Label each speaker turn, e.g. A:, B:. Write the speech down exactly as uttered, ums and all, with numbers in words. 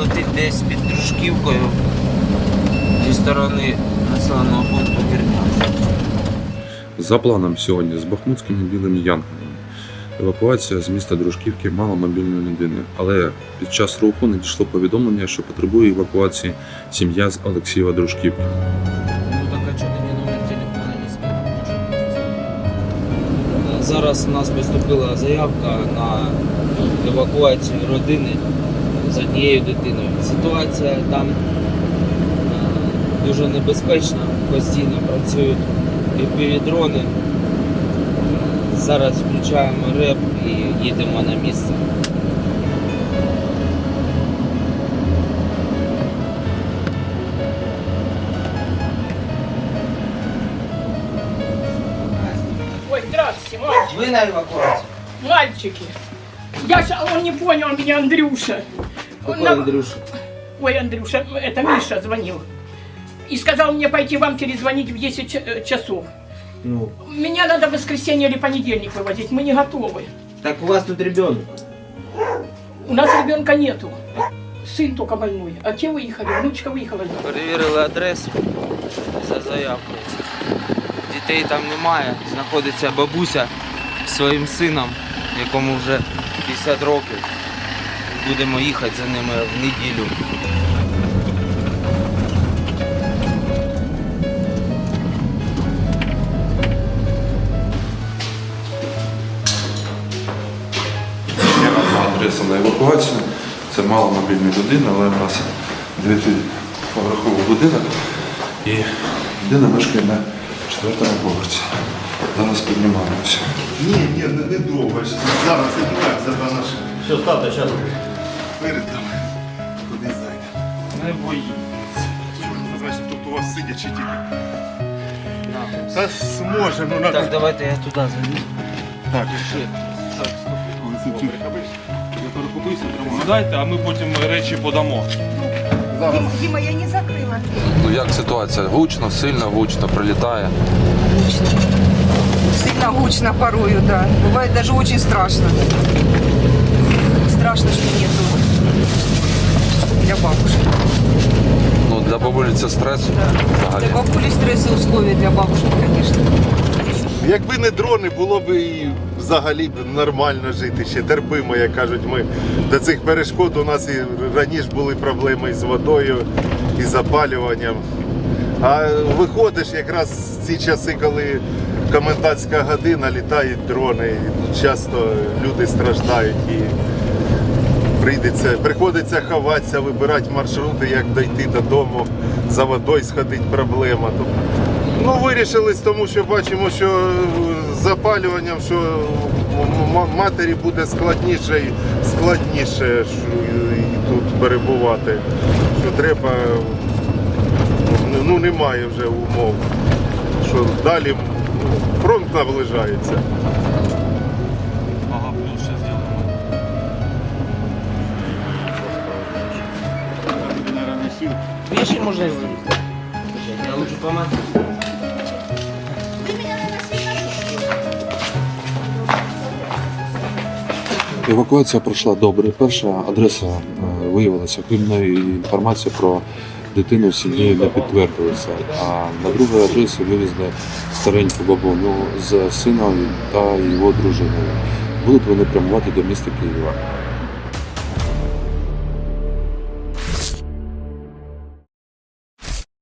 A: летить десь під Дружківкою зі сторони населеного пункту Гірня.
B: За планом сьогодні з бахмутськими білими янголами евакуація з міста Дружківки маломобільної людини, але під час руху надійшло повідомлення, що потребує евакуації сім'я з Олексієва Дружківки.
A: Ну так, а чого тоді номер телефона не скинув? Зараз у нас поступила заявка на евакуацію родини з однією дитиною. Ситуація там дуже небезпечна, постійно працюють півдрони. Зараз включаємо реп і їдемо на місце.
C: Ой, здравствуйте, мальчики.
A: Ви на евакуацію?
C: Мальчики. Я ж, он не понял меня, Андрюша. Он
A: Какой
C: на-
A: Андрюша?
C: Ой, Андрюша, это Миша звонил. И сказал мне пойти вам перезвонить в десять ч- э, часов.
A: Ну,
C: Меня надо в воскресенье или понедельник вывозить, мы не готовы.
A: так у вас тут ребенок.
C: У нас ребенка нету. Сын только больной. А те выехали, внучка выехала.
A: Перевірили адресу за заявкою. Дітей там немає. Знаходиться бабуся зі своїм сином, якому вже п'ятдесят років. Будемо їхати за ними в неділю.
B: Є одна адреса на евакуацію. Це маломобільна людина, але в нас дев'ятиповерховий будинок і людина мешкає на четвертому поверсі. Зараз піднімаємося.
D: Ні, ні, не, не довго. Зараз і так, за два наші.
E: Все, ставте, зараз.
D: Перед там. Куди зайде.
A: Не боїться.
D: Що ж це значить, тут у вас сидячи тільки? Та зможе, ну
A: Так,
D: надо.
A: давайте я туди залізу.
D: Так,
A: Пішли.
E: Дайте, а ми потім речі подамо.
D: зараз.
F: Дима, я не закрыла.
B: Ну як ситуація? Гучно, сильно гучно прилітає.
F: Гучно. Сильно гучно порою, да. Бывает даже очень страшно. Страшно, что нету для бабушки.
B: Ну для бабулі це стрес взагалі.
F: Для бабули стрессы условия для бабушки, конечно.
D: Якби не дрони, було б і взагалі б нормально жити, ще терпимо, як кажуть ми. До цих перешкод у нас і раніше були проблеми із водою, і запалюванням. А виходиш якраз в ці часи, коли комендантська година, літають дрони, і часто люди страждають і прийдеться, приходиться ховатися, вибирати маршрути, як дойти додому, за водою сходити проблема. Ну, вирішили, тому що бачимо, що з запалюванням, що м- матері буде складніше і складніше що і тут перебувати. Що треба, ну немає вже умов, що далі ну, фронт наближається.
E: Ага, плюс ще зробимо.
A: Вещи можно сделать. Я лучше помогу.
B: Евакуація пройшла добре. Перша адреса е, виявилася хибною і інформація про дитину в сім'ї не підтвердилася. А на другій адресі вивезли стареньку бабуню з сином та його дружиною. Будуть вони прямувати до міста Києва.